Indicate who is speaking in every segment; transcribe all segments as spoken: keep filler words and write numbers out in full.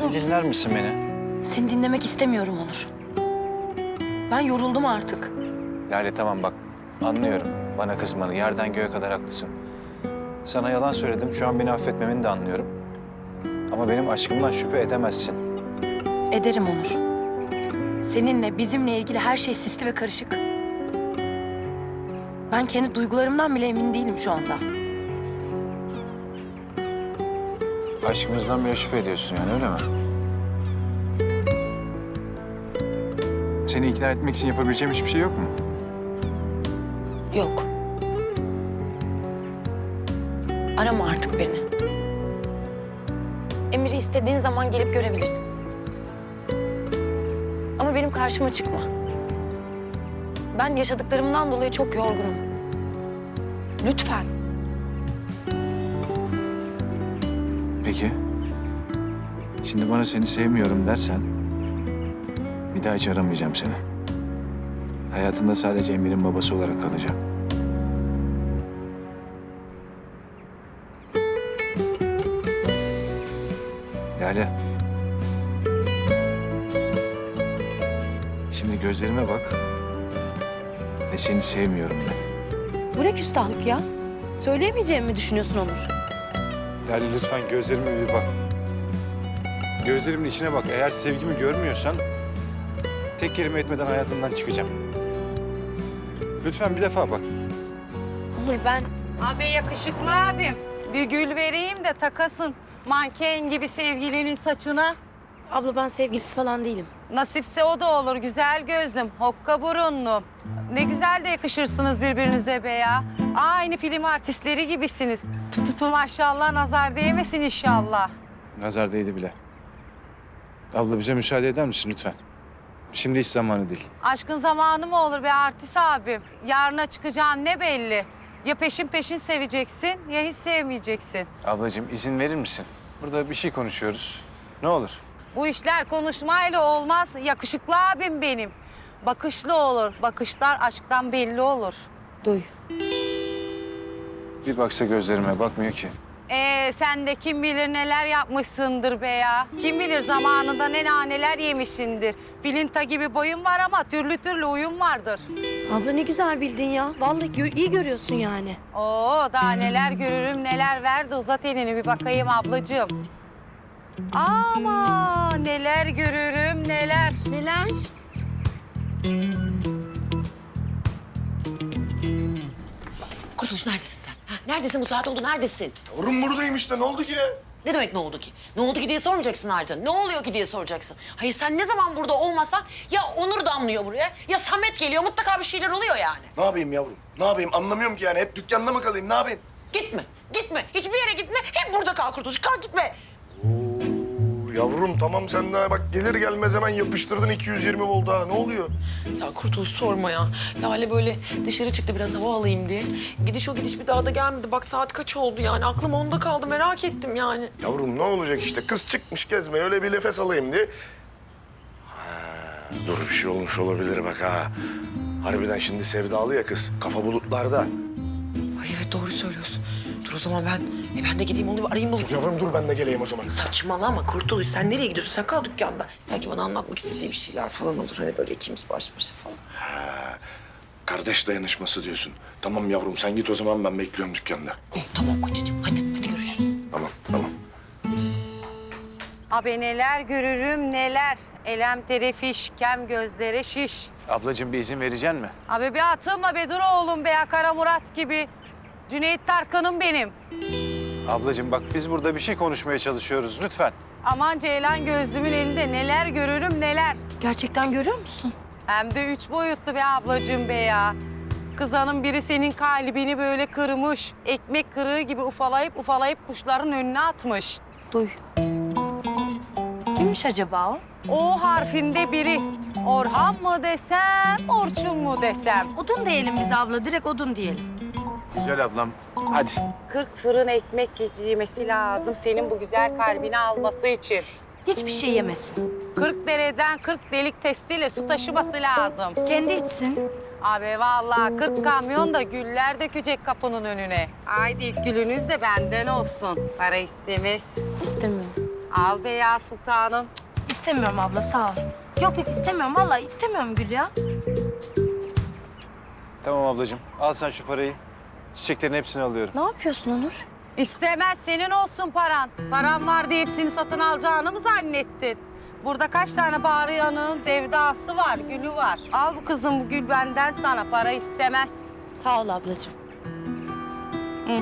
Speaker 1: Onur.
Speaker 2: Dinler misin beni?
Speaker 1: Seni dinlemek istemiyorum Onur. Ben yoruldum artık.
Speaker 2: Lale tamam bak anlıyorum bana kızmanı. Yerden göğe kadar haklısın. Sana yalan söyledim. Şu an beni affetmemeni de anlıyorum. Ama benim aşkımdan şüphe edemezsin.
Speaker 1: Ederim Onur. Seninle, bizimle ilgili her şey sisli ve karışık. Ben kendi duygularımdan bile emin değilim şu anda.
Speaker 2: Aşkımızdan bile şüphe ediyorsun yani öyle mi? Seni ikna etmek için yapabileceğim hiçbir şey yok mu?
Speaker 1: Yok. Arama artık beni. Emir'i istediğin zaman gelip görebilirsin. Ama benim karşıma çıkma. Ben yaşadıklarımdan dolayı çok yorgunum. Lütfen.
Speaker 2: Peki. Şimdi bana seni sevmiyorum dersen... bir daha hiç aramayacağım seni. Hayatında sadece Emir'in babası olarak kalacağım. Lale. Şimdi gözlerime bak. Ve seni sevmiyorum ben.
Speaker 1: Bu ne küstahlık ya? Söyleyemeyeceğimi mi düşünüyorsun Onur?
Speaker 2: Lale lütfen gözlerime bir bak. Gözlerimin içine bak. Eğer sevgimi görmüyorsan... tek kelime etmeden hayatından çıkacağım. Lütfen bir defa bak.
Speaker 1: Onur ben...
Speaker 3: Abi yakışıklı abim. Bir gül vereyim de takasın. Manken gibi sevgilinin saçına.
Speaker 1: Abla ben sevgilisi falan değilim. Nasipse
Speaker 3: O da olur güzel gözlüm, hokka burunlu. Ne güzel de yakışırsınız birbirinize be ya. Aynı film artistleri gibisiniz. Tututu maşallah, nazar değmesin inşallah.
Speaker 2: Nazar değdi bile. Abla bize müsaade eder misin lütfen? Şimdi hiç zamanı değil.
Speaker 3: Aşkın zamanı mı olur be artist abim? Yarına çıkacağın ne belli? Ya peşin peşin seveceksin ya hiç sevmeyeceksin.
Speaker 2: Ablacığım izin verir misin? Burada bir şey konuşuyoruz. Ne olur.
Speaker 3: Bu işler konuşmayla olmaz. Yakışıklı abim benim. Bakışlı olur. Bakışlar aşktan belli olur.
Speaker 1: duy.
Speaker 2: Bir baksa gözlerime bakmıyor ki.
Speaker 3: Ee sen de kim bilir neler yapmışsındır be ya. Kim bilir zamanında ne naneler yemişsindir. Filinta gibi boyun var ama türlü türlü uyum vardır.
Speaker 1: Abla ne güzel bildin ya. Vallahi gö- iyi görüyorsun yani.
Speaker 3: Oo daha neler görürüm neler verdi. Uzat elini bir bakayım ablacığım. Ama neler görürüm neler.
Speaker 1: Neler?
Speaker 4: Kurtuluş neredesin sen? Ha, neredesin bu saat oldu neredesin?
Speaker 5: Yavrum buradayım işte ne oldu ki?
Speaker 4: Ne demek ne oldu ki? Ne oldu ki diye sormayacaksın ayrıca. Ne oluyor ki diye soracaksın. Hayır sen ne zaman burada olmasan ya Onur damlıyor buraya ya Samet geliyor. Mutlaka bir şeyler oluyor yani.
Speaker 5: Ne yapayım yavrum? Ne yapayım anlamıyorum ki yani. Hep dükkanda mı kalayım ne yapayım?
Speaker 4: Gitme, gitme. Hiçbir yere gitme. Hep burada kal Kurtuluş. Kal gitme.
Speaker 5: Oo, yavrum tamam sen daha bak gelir gelmez hemen yapıştırdın iki yüz yirmi volt daha. Ne oluyor?
Speaker 4: Ya Kurtuluş sorma ya. Lale böyle dışarı çıktı biraz hava alayım diye. Gidiş o gidiş bir daha da gelmedi. Bak saat kaç oldu yani. Aklım onda kaldı. Merak ettim yani.
Speaker 5: Yavrum ne olacak işte kız çıkmış gezmeye öyle bir nefes alayım diye. Ha, dur bir şey olmuş olabilir bak ha. Harbiden şimdi sevdalı ya kız. Kafa bulutlarda.
Speaker 4: Ay evet doğru söylüyorsun. Dur o zaman ben, e ben de gideyim onu bir arayayım bulayım.
Speaker 5: Yavrum dur ben de geleyim o zaman.
Speaker 4: Saçmalama Kurtuluş. Sen nereye gidiyorsun? Sen kal dükkanda. Belki bana anlatmak istediği bir şeyler falan olur. Hani böyle ikimiz baş başa falan.
Speaker 5: Ha, kardeş dayanışması diyorsun. Tamam yavrum sen git o zaman ben bekliyorum dükkanda.
Speaker 4: Oh, tamam kocacığım. Hadi, hadi görüşürüz.
Speaker 5: Tamam tamam.
Speaker 3: Abi neler görürüm neler. Elem terefiş, kem gözlere şiş.
Speaker 2: Ablacığım bir izin vereceksin mi?
Speaker 3: Abi bir atılma be dur oğlum be ya Kara Murat gibi. Cüneyt Tarkan'ım benim.
Speaker 2: Ablacığım bak biz burada bir şey konuşmaya çalışıyoruz lütfen.
Speaker 3: Aman Ceylan gözlümün elinde neler görürüm neler.
Speaker 1: Gerçekten görüyor musun?
Speaker 3: Hem de üç boyutlu be ablacığım be ya. Kız hanım biri senin kalbini böyle kırmış. Ekmek kırığı gibi ufalayıp ufalayıp kuşların önüne atmış.
Speaker 1: Duy. Kimmiş acaba o?
Speaker 3: O harfinde biri. Orhan mı desem, Orçun mu desem.
Speaker 1: Odun diyelim biz abla. Direkt odun diyelim.
Speaker 2: Güzel ablam hadi.
Speaker 3: Kırk fırın ekmek yemesi lazım senin bu güzel kalbini alması için.
Speaker 1: Hiçbir şey yemesin.
Speaker 3: Kırk dereden kırk delik testiyle su taşıması lazım.
Speaker 1: Kendi içsin.
Speaker 3: Abi vallahi kırk kamyon da güller dökecek kapının önüne. Haydi ilk gülünüz de benden olsun. Para istemez.
Speaker 1: İstemiyorum.
Speaker 3: Al be ya sultanım.
Speaker 1: İstemiyorum abla sağ ol. Yok yok istemiyorum vallahi istemiyorum Gül ya.
Speaker 6: Tamam ablacığım. Al sen şu parayı. Çiçeklerin hepsini alıyorum.
Speaker 1: Ne yapıyorsun Onur?
Speaker 3: İstemez senin olsun paran. Paran var diye hepsini satın alacağını mı zannettin? Burada kaç tane bağırıyanın sevdası var, gülü var. Al bu kızım, bu gül benden sana. Para istemez.
Speaker 1: Sağ ol ablacığım. Hı.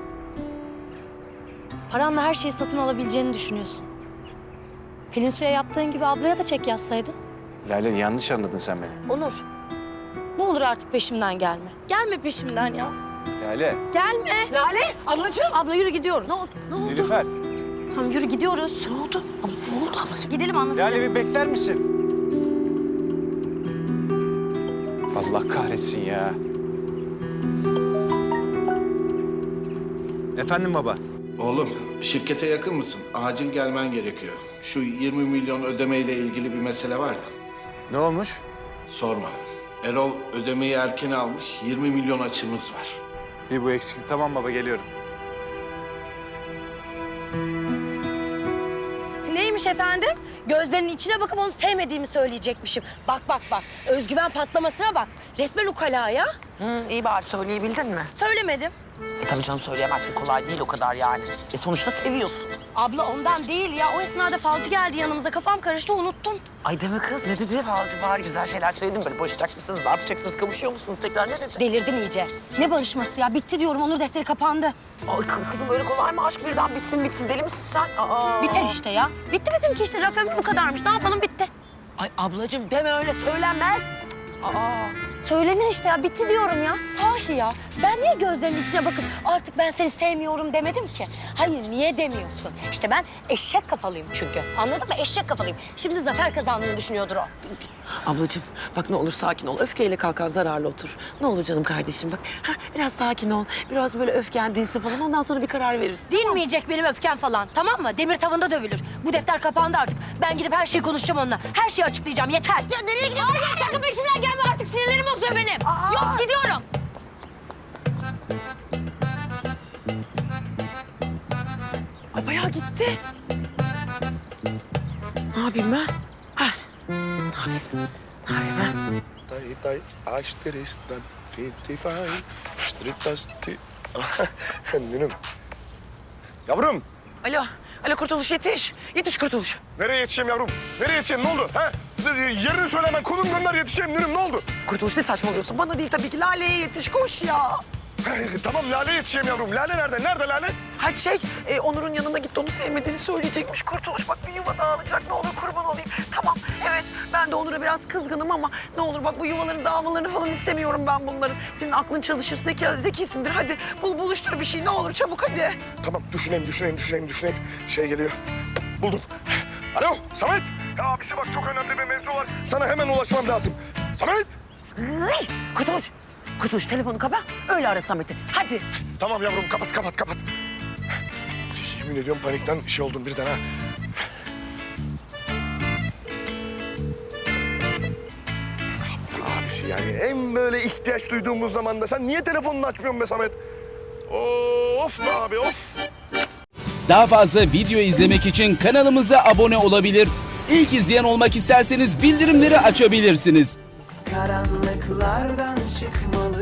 Speaker 1: Paranla her şeyi satın alabileceğini düşünüyorsun. Pelin Su'ya yaptığın gibi ablaya da çek yazsaydın.
Speaker 2: Lale yanlış anladın sen beni.
Speaker 1: Onur, ne olur artık peşimden gelme. Gelme peşimden ya.
Speaker 6: Lale.
Speaker 1: Gelme. Lale, ablacığım. Abla yürü gidiyoruz. Ne oldu? Ne oldu?
Speaker 6: Nilüfer.
Speaker 1: Tamam yürü gidiyoruz. Ne oldu? Ne oldu ablacığım? Gidelim anlatacağım.
Speaker 6: Lale bir bekler misin? Allah kahretsin ya. Efendim baba.
Speaker 7: Oğlum, şirkete yakın mısın? Acil gelmen gerekiyor. Şu yirmi milyon ödemeyle ilgili bir mesele var da.
Speaker 6: Ne olmuş?
Speaker 7: Sorma. Erol ödemeyi erken almış, yirmi milyon açımız var.
Speaker 6: Bir bu eksikti. Tamam baba geliyorum.
Speaker 1: Neymiş efendim? Gözlerinin içine bakıp onu sevmediğimi söyleyecekmişim. Bak bak bak. Özgüven patlamasına bak. Resmen ukala ya.
Speaker 4: Hı, iyi bari söyleyebildin mi?
Speaker 1: Söylemedim.
Speaker 4: E tabii canım söyleyemezsin. Kolay değil o kadar yani. E sonuçta seviyorsun.
Speaker 1: Abla ondan değil ya. O esnada falcı geldi yanımıza. Kafam karıştı unuttum.
Speaker 4: Ay deme kız ne dedi falcı bari güzel şeyler söyledim böyle barışacak mısınız ne yapacaksınız kavuşuyor musunuz tekrar ne dedi?
Speaker 1: Delirdin iyice. Ne barışması ya? Bitti diyorum. Onur defteri kapandı.
Speaker 4: Ay kı- kızım öyle kolay mı aşk birden bitsin bitsin deli misin sen? Aa.
Speaker 1: Biter işte ya. Bitti bizimki işte. Raf ömrü bu kadarmış. Ne yapalım bitti.
Speaker 4: Ay ablacığım deme öyle söylenmez. Aa.
Speaker 1: Söylenir işte ya. Bitti diyorum ya. Sahi ya. Ben niye gözlerinin içine bakıp artık ben seni sevmiyorum demedim ki? Hayır niye demiyorsun? İşte ben eşek kafalıyım çünkü. Anladın mı? Eşek kafalıyım. Şimdi zafer kazandığını düşünüyordur o.
Speaker 4: Ablacığım bak ne olur sakin ol. Öfkeyle kalkan zararlı otur. Ne olur canım kardeşim bak. Ha, biraz sakin ol. Biraz böyle öfken dinsin falan. Ondan sonra bir karar verirsin.
Speaker 1: Dinmeyecek benim öfkem falan. Tamam mı? Demir tavında dövülür. Bu defter kapandı artık. Ben gidip her şeyi konuşacağım onunla. Her şeyi açıklayacağım. Yeter. Ya nereye gidiyorsun? Hayır sakın peşimden gelme artık. Sinirlerim bozuyor benim. Yok gidiyorum.
Speaker 4: Ay bayağı gitti. Ne yapayım ben? Ha. Ne yapayım? Ne yapayım ben?
Speaker 5: Day day aşteristan fitifay stritasti. Nünüm. Yavrum,
Speaker 4: Alo. Alo Kurtuluş yetiş. Yetiş Kurtuluş.
Speaker 5: nereye yetişeyim yavrum? Nereye yetişeyim, ne oldu? Ha? Yerini söyle hemen, konum gönder yetişeyim Nünüm, ne oldu?
Speaker 4: Kurtuluş ne saçmalıyorsun? Bana değil tabii ki. Lale'ye yetiş koş ya.
Speaker 5: Tamam, Lale yetişeyim yavrum. Lale nerede? Nerede Lale?
Speaker 4: Hadi şey, e, Onur'un yanına gitti onu sevmediğini söyleyecekmiş. Kurtuluş bak bir yuva dağılacak ne olur kurban olayım. Tamam evet ben de Onur'a biraz kızgınım ama ne olur bak bu yuvaların dağılmalarını falan istemiyorum ben bunların. Senin aklın çalışır, zeka, zekisindir. Hadi bul buluştur bir şey ne olur çabuk hadi.
Speaker 5: Tamam, düşüneyim, düşüneyim, düşüneyim, düşüneyim. Şey geliyor. Buldum. Alo, Samet. Ya abisi bak, çok önemli bir mevzu var. Sana hemen ulaşmam lazım. Samet.
Speaker 4: Ay, Kurtuluş, Kurtuluş telefonu kapa öyle ara Samet'i. Hadi.
Speaker 5: Tamam yavrum, kapat, kapat, kapat. Yemin ediyorum panikten şey oldum birden ha. Abisi yani en böyle ihtiyaç duyduğumuz zamanda sen niye telefonunu açmıyorsun be Samet? Of be abi, of.
Speaker 8: Daha fazla video izlemek için kanalımıza abone olabilir. İlk izleyen olmak isterseniz bildirimleri açabilirsiniz.
Speaker 9: Karanlıklardan çıkmalı